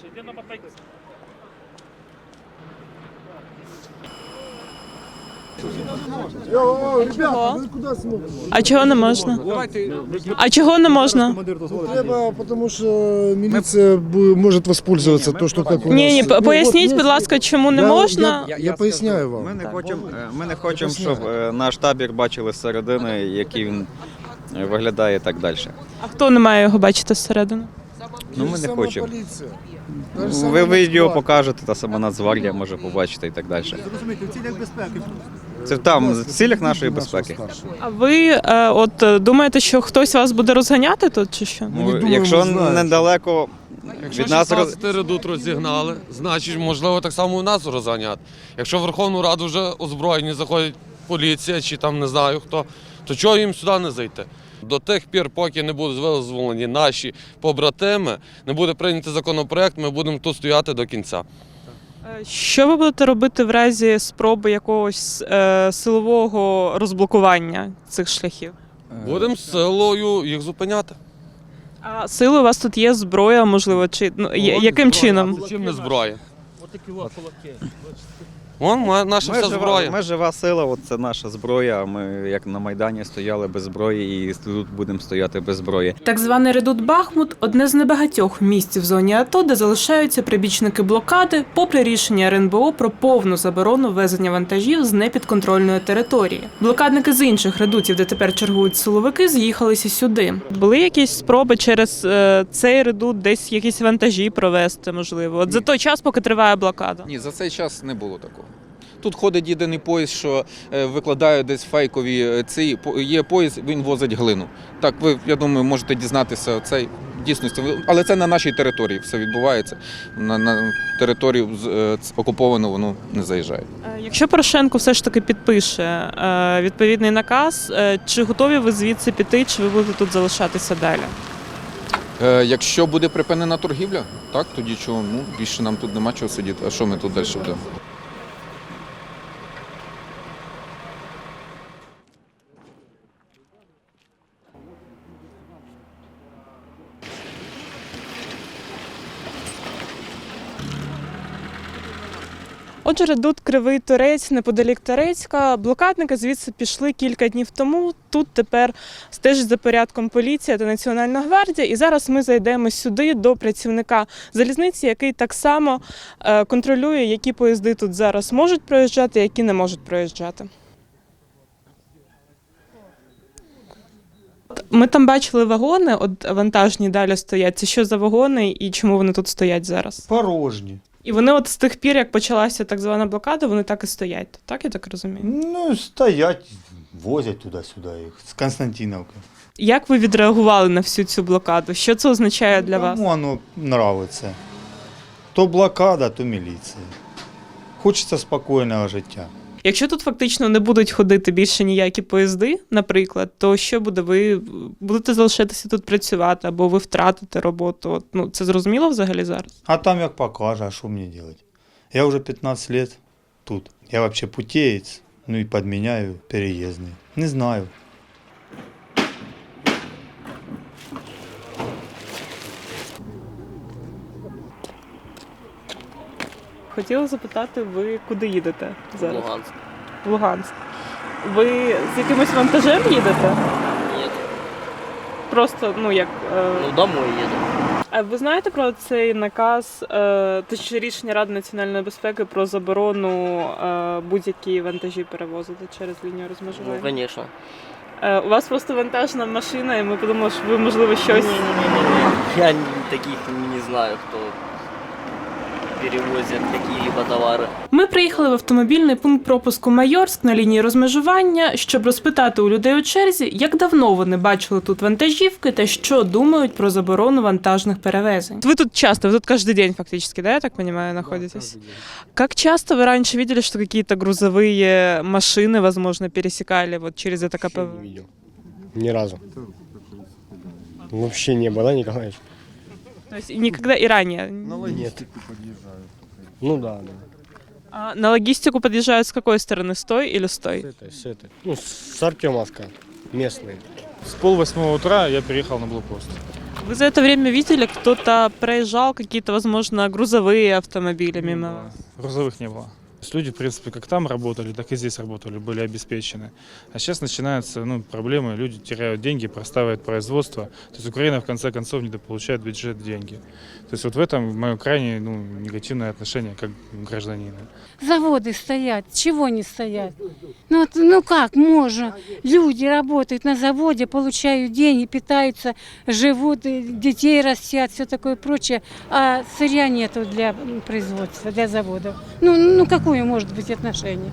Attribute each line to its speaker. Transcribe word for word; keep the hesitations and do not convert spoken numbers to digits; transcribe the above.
Speaker 1: Чого?
Speaker 2: А чого не можна? А чого не можна?
Speaker 1: Треба, тому що міліція бу- може воспользуватися то, що так у нас.
Speaker 2: Ні, ні,
Speaker 1: Ну,
Speaker 2: поясніть,
Speaker 1: от
Speaker 2: будь
Speaker 1: є-
Speaker 2: ласка, чому не
Speaker 1: Я-
Speaker 2: можна?
Speaker 1: Я, я поясняю вам.
Speaker 3: Ми не хочемо, ми не хочемо, щоб е, наш табір бачили зсередини, який він е, виглядає і так далі.
Speaker 2: А хто не має його бачити зсередини?
Speaker 3: Ну, ми
Speaker 1: Та ж
Speaker 3: не
Speaker 1: сама
Speaker 3: хочемо.
Speaker 1: поліція. Та ж сама
Speaker 3: Ви відео
Speaker 1: Нацгвардія.
Speaker 3: покажете, та сама Нацгвардія може побачити і так далі.
Speaker 4: Розумієте, в цілях безпеки.
Speaker 3: Це там, в цілях нашої безпеки.
Speaker 2: А ви е, от е, думаєте, що хтось вас буде розганяти тут чи що?
Speaker 1: не
Speaker 3: Ну,
Speaker 1: думаємо,
Speaker 3: якщо
Speaker 1: знаємо.
Speaker 3: недалеко
Speaker 5: Якщо
Speaker 3: від нас роз...
Speaker 5: шістнадцять редут розігнали, значить, можливо, так само у нас розганяти. Якщо в Верховну Раду вже озброєні заходить поліція чи там не знаю хто, то чого їм сюди не зайти? До тих пір, поки не будуть визволені наші побратими, не буде прийнятий законопроект, ми будемо тут стояти до кінця.
Speaker 2: Е, Що ви будете робити в разі спроби якогось е, силового розблокування цих шляхів?
Speaker 5: Будемо силою їх зупиняти.
Speaker 2: А сили у вас тут є зброя, можливо, чи ну, я- яким чином?
Speaker 5: Чим не зброя? Вон ма- наша
Speaker 3: Ми
Speaker 5: вся
Speaker 3: жива,
Speaker 5: зброя.
Speaker 3: ми жива сила, от це наша зброя. Ми як на Майдані стояли без зброї і тут будемо стояти без зброї.
Speaker 2: Так званий редут Бахмут – одне з небагатьох місць в зоні АТО, де залишаються прибічники блокади, попри рішення ер ен бе о про повну заборону ввезення вантажів з непідконтрольної території. Блокадники з інших редутів, де тепер чергують силовики, з'їхалися сюди. Були якісь спроби через е, цей редут десь якісь вантажі провести, можливо? От за той час, поки триває блокада?
Speaker 6: Ні, за цей час не було такого. Тут ходить єдиний поїзд, що е, викладають десь фейкові е, ці. по- Є поїзд, він возить глину. Так, ви, я думаю, можете дізнатися цей дійсності. Ви- Але це на нашій території все відбувається. На, на територію з- е, ц- окуповану воно не заїжджає.
Speaker 2: Е, Якщо Порошенко все ж таки підпише е, відповідний наказ, е, чи готові ви звідси піти, чи ви будете тут залишатися далі?
Speaker 6: Е, Якщо буде припинена торгівля, так, тоді чого? Ну, більше нам тут нема чого сидіти. А що ми тут далі будемо?
Speaker 2: Отже, редут Кривий Торець, неподалік Торецька. Блокадники звідси пішли кілька днів тому. Тут тепер стежить за порядком поліція та Національна гвардія. І зараз ми зайдемо сюди до працівника залізниці, який так само е, контролює, які поїзди тут зараз можуть проїжджати, які не можуть проїжджати. Ми там бачили вагони, от вантажні далі стоять. Це що за вагони і чому вони тут стоять зараз?
Speaker 7: Порожні.
Speaker 2: І вони от з тих пір, як почалася так звана блокада, вони так і стоять. Так, я так розумію?
Speaker 7: Ну, стоять, возять туди-сюди їх з Константиновки.
Speaker 2: Як ви відреагували на всю цю блокаду? Що це означає для вас?
Speaker 7: Кому воно нравиться? То блокада, то міліція. Хочеться спокійного життя.
Speaker 2: Якщо тут фактично не будуть ходити більше ніякі поїзди, наприклад, то що буде? Ви будете залишатися тут працювати, або ви втратите роботу? От, ну, це зрозуміло взагалі зараз?
Speaker 7: А там як покаже, а що мені робити? Я вже п'ятнадцять років тут. Я взагалі путєєць, ну і підміняю переїзний. Не знаю.
Speaker 2: Хотіла запитати, ви куди їдете зараз?
Speaker 8: Луганск.
Speaker 2: В Луганськ. Ви з якимось вантажем їдете?
Speaker 8: Нет.
Speaker 2: Просто, ну як. Е...
Speaker 8: Ну, домой еду.
Speaker 2: А ви знаєте про цей наказ, е, точніше рішення Ради національної безпеки про заборону е, будь-які вантажі перевозити через лінію
Speaker 8: Ну,
Speaker 2: розмежування?
Speaker 8: конечно.
Speaker 2: Е, у вас просто вантажна машина, і ми подумали, що ви, можливо, щось...
Speaker 8: Не-не-не-не. Я таких не знаю, кто перевозит какие-либо товары.
Speaker 2: Ми приїхали в автомобільний пункт пропуску Майорськ на лінії розмежування, щоб розпитати у людей у черзі, як давно вони бачили тут вантажівки та що думають про заборону вантажних перевезень. Ви тут часто, ви тут кожен день фактично, да, я так понимаю, находитесь? Как часто вы раньше видели, что какие-то грузовые машины, возможно, пересекали вот через это ка пэ вэ?
Speaker 9: Не видел. Ни разу. Вообще не было, да, Николаевич?
Speaker 2: То есть никогда и ранее?
Speaker 9: Нет. Ну да, да.
Speaker 2: А на логистику подъезжают с какой стороны? С той или с той?
Speaker 9: С этой, с этой. Ну, с Артемовска. Местные.
Speaker 10: С полвосьмого утра я переехал на блокпост.
Speaker 2: Вы за это время видели, кто-то проезжал, какие-то, возможно, грузовые автомобили мимо вас?
Speaker 4: Грузовых не было. То есть люди, в принципе, как там работали, так и здесь работали, были обеспечены. А сейчас начинаются ну, проблемы, люди теряют деньги, простаивают производство. То есть Украина, в конце концов, недополучает в бюджет деньги. То есть вот в этом мое крайне ну, негативное отношение как гражданина.
Speaker 10: Заводы стоят, чего не стоят? Ну, вот, ну как можно? Люди работают на заводе, получают деньги, питаются, живут, и детей растят, все такое прочее, а сырья нету для производства, для заводов. Ну, ну какое может быть отношение?